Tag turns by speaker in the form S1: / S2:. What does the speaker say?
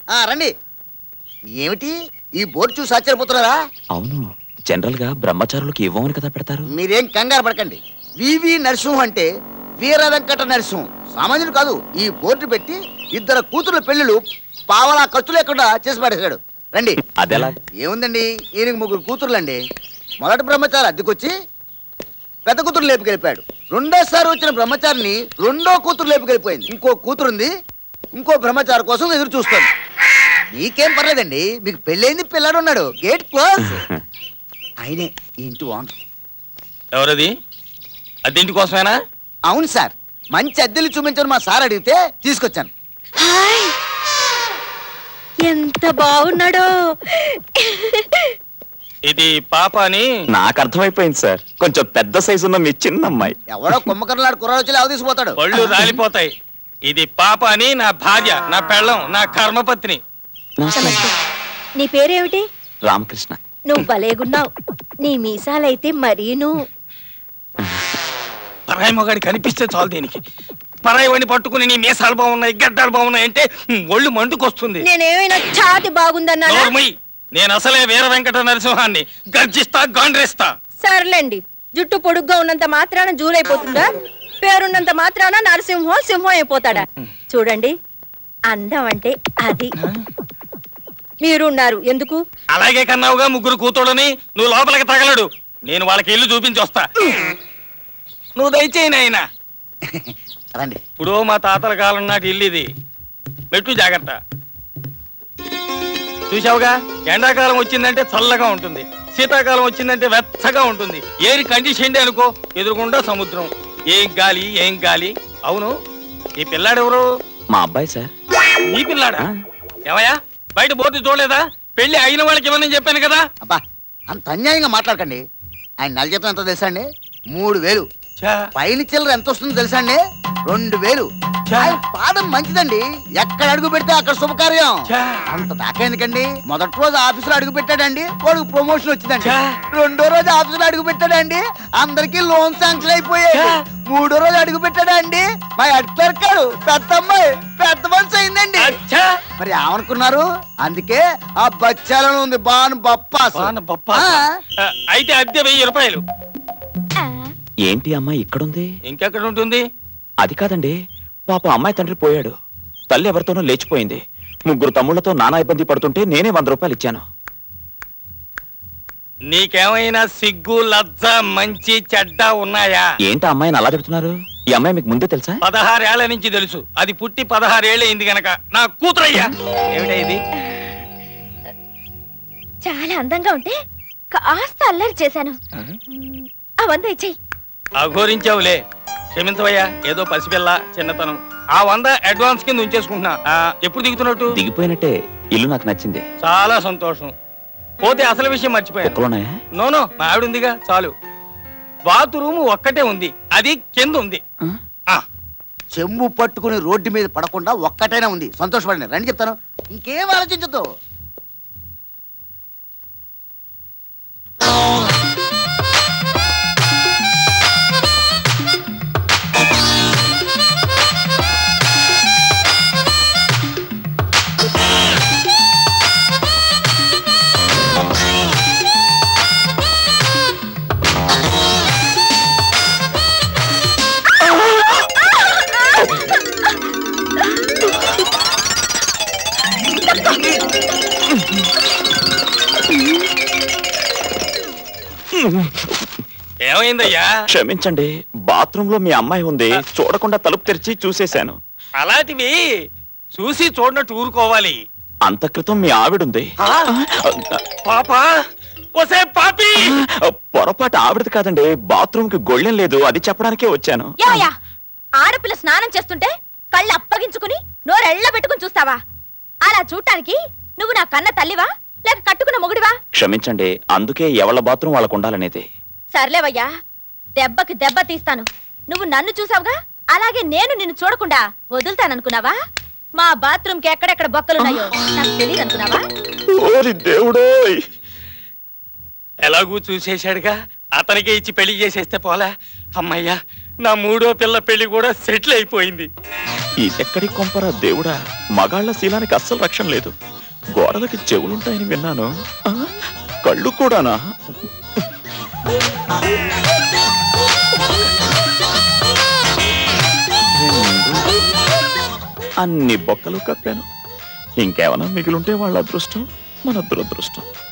S1: రండి. ఏమిటి ఈ బోర్డు చూసి ఆశ్చర్యపోతున్నారా?
S2: అవును, జనరల్ గా బ్రహ్మచారులకు ఇవ్వమని కదా పెడతారు.
S1: మీరేం కంగారు పడకండి. వివి నరసింహం అంటే వీర వెంకట నరసింహం, సామాన్యుడు కాదు. ఈ బోర్డు పెట్టి 2 కూతుర్ల పెళ్లిళ్ళు పావలా ఖర్చు లేకుండా చేసి పడేశాడు. రండి.
S2: అదెలా?
S1: ఏముందండి, ఈయనకి 3 కూతుర్లండి. మొదటి బ్రహ్మచారి అద్దెకొచ్చి పెద్ద కూతురు లేపుకెళ్ళిపోయాడు. రెండోసారి వచ్చిన బ్రహ్మచారిని 2వ కూతురు లేపుకెళ్ళిపోయింది. ఇంకో కూతురుంది, ఇంకో బ్రహ్మచారి కోసం ఎదురు చూస్తుంది. మీకేం పర్లేదండి, మీకు పెళ్ళైంది, పిల్లాడు ఉన్నాడు. Gate close. ఆయనే ఈ ఇంటి ఓనర్.
S3: ఎవరది? అద్దెంటి కోసమేనా?
S1: అవును సార్, మంచి అద్దెలు చూపించని మా సార్ అడిగితే తీసుకొచ్చాను.
S4: హాయ్, ఎంత బాగున్నాడో.
S3: ఇది పాప అని
S2: నాకు అర్థమైపోయింది సార్, కొంచెం పెద్ద సైజు ఉన్న మీ చిన్న అమ్మాయి.
S1: ఎవడో కుమ్మకర్లాడు కుర్రాడు వచ్చి లేవ తీసుకుపోతాడు.
S3: పళ్ళు రాలిపోతాయి. ఇది పాప అని నా భార్య, నా పెళ్ళం, నా కర్మపత్ని.
S4: నమస్తే. నీ పేరేమిటి?
S2: రామకృష్ణ.
S4: నువ్వు భలేగున్నావు. నీ మీసాలైతే మరీను.
S3: పరాయి మొగాడి కనిపిస్తే చాలు దీనికి. పరాయి వాడిని పట్టుకుని నీ మీసాలు బాగున్నాయి, గడ్డాలు బాగున్నాయి అంటే ఒళ్ళు మండుకొస్తుంది.
S4: నేనేమైనా ఛాతి బాగుందన్నా?
S3: నేను అసలే వీర వెంకట నరసింహాన్ని. గర్జిస్తా, గాండ్రేస్తా.
S4: సర్లేండి, జుట్టు పొడుగ్గా ఉన్నంత మాత్రాన జూలైపోతుందా? పేరున్నంత మాత్రాన నరసింహం సింహం అయిపోతాడా? చూడండి, అందం అంటే అది. మీరున్నారు ఎందుకు?
S3: అలాగే కన్నావుగా 3 కూతుళ్ళని. నువ్వు లోపలికి తగలడు, నేను వాళ్ళకి ఇల్లు చూపించి వస్తా. నువ్వు దయచేయి నాయన.
S1: రండి.
S3: ఇప్పుడు మా తాతల కాలం నాటి ఇల్లు ఇది. మెట్టు జాగ్రత్త. చూసావుగా, ఎండాకాలం వచ్చిందంటే చల్లగా ఉంటుంది, శీతాకాలం వచ్చిందంటే వెచ్చగా ఉంటుంది. ఏరి కండిషన్ అనుకో, ఎదురుకుండా సముద్రం. ఏం గాలి, ఏం గాలి. అవును, ఈ పిల్లాడెవరు?
S2: మా అబ్బాయి సార్.
S3: నీ పిల్లాడా? ఏమయ్యా, బయట బోర్డు చూడలేదా? పెళ్లి అయిన వాళ్ళకి ఇవ్వనని చెప్పాను కదా.
S1: అబ్బా, అంత అన్యాయంగా మాట్లాడకండి. ఆయన నెల జీతం ఎంతో తెలుసా అండి? 3000. పైన చిల్లర ఎంత వస్తుందో తెలుసా అండి? 2000. ఆయన పాదం మంచిదండి, ఎక్కడ అడుగు పెడితే అక్కడ శుభకార్యం. అంత దాకా ఎందుకండి? మొదటి రోజు ఆఫీసులో అడుగు పెట్టాడండి, వాడికి ప్రమోషన్ వచ్చిందండి. 2వ రోజు ఆఫీసులో అడుగు పెట్టాడండి, అందరికి లోన్ శాంక్షన్ అయిపోయాయి. 3వ రోజు అడుగు పెట్టాడండి, మా హెడ్ క్లర్క్ పెద్ద అమ్మాయి పెద్ద మనిషి అయిందండి. మరి ఏమనుకున్నారు? అందుకే ఆ బచ్చాలను ఉంది బాను బప్పాస్.
S3: అయితే అద్దె 1000 రూపాయలు.
S2: ఏంటి అమ్మాయి ఇక్కడుంది?
S3: ఇంకెక్కడ ఉంటుంది?
S2: అది కాదండి, పాప అమ్మాయి తండ్రి పోయాడు, తల్లి ఎవరితోనో లేచిపోయింది. 3 తమ్ముళ్లతో నానా ఇబ్బంది పడుతుంటే నేనే 100 రూపాయలు ఇచ్చాను.
S3: నీకేమైనా సిగ్గు, లజ్జ, మంచి చెడ్డ ఉన్నాయా?
S2: ఏంటి అమ్మాయిని అలా చెప్తున్నారు? ఈ అమ్మాయి మీకు ముందే తెలుసా?
S3: 16 ఏళ్ల నుంచి తెలుసు. అది పుట్టి 16 ఏళ్ళు అయింది గనక నా కూతురయ్యా. ఏమిటా ఇది?
S4: చాలా అందంగా ఉంటే కాస్త అల్లరి చేశాను. అవంతా ఇచ్చేయి.
S3: అఘోరించావులే, క్షమించవయ్యా. ఏదో పసిపిల్ల, చిన్నతనం. ఆ 100 అడ్వాన్స్ కింద ఉంచేసుకుంటున్నా. ఎప్పుడు దిగుతున్నట్టు?
S2: దిగిపోయినట్టే. ఇల్లు నాకు నచ్చింది.
S3: చాలా సంతోషం. పోతే అసలు విషయం మర్చిపోయాను. నోనో, మా ఆవిడ ఉందిగా, చాలు. బాత్రూమ్ ఒక్కటే ఉంది, అది కింద ఉంది.
S1: చెంబు పట్టుకుని రోడ్డు మీద పడకుండా ఒక్కటైనా ఉంది. సంతోషపడండి. రండి చెప్తాను, ఇంకేం ఆలోచించదు.
S3: ఏమైందయ్యా?
S2: క్షమించండి, బాత్రూమ్ లో మీ అమ్మాయి ఉంది, చూడకుండా తలుపు తెరిచి చూసేశాను.
S3: అలాంటివి చూసి చూడనట్టు ఊరుకోవాలి.
S2: అంత క్రితం మీ ఆవిడుంది.
S3: పాపా, ఒసే పాపి!
S2: పొరపాటు ఆవిడది కాదండి, బాత్రూమ్ కి గొళ్ళెం లేదు, అది చెప్పడానికే వచ్చాను.
S4: ఆడపిల్ల స్నానం చేస్తుంటే కళ్ళు అప్పగించుకుని నోరెళ్ళ పెట్టుకుని చూస్తావా? అలా చూడటానికి నువ్వు నా కన్న తల్లివా లేక కట్టుకున్న మొగుడివా?
S2: క్షమించండి, అందుకే ఎవళ్ళ బాత్రూమ్ వాళ్ళకు ఉండాలనేది.
S4: సర్లేవయ్యా, దెబ్బకి దెబ్బ తీస్తాను. నువ్వు నన్ను చూసావుగా, అలాగే నేను నిన్ను చూడకుండా వదులుతాననుకున్నావా? మా బాత్రూమ్ కి ఎక్కడెక్కడ బొక్కలున్నాయో నాకు తెలియదు అనుకున్నావా?
S2: దేవుడోయ్,
S3: ఎలాగూ చూసేశాడుగా, అతనికే ఇచ్చి పెళ్లి చేసేస్తే పోలా. అమ్మయ్యా, నా మూడో పిల్ల పెళ్లి కూడా సెటిల్ అయిపోయింది.
S2: ఇదెక్కడి కొంపరా దేవుడా, మగాళ్ల శీలానికి అస్సలు రక్షణ లేదు. గోడలకి చెవులుంటాయని విన్నాను, కళ్ళు కూడానా? అన్ని బొక్కలు కప్పాను. ఇంకేమైనా మిగిలుంటే వాళ్ళ అదృష్టం, మన దురదృష్టం.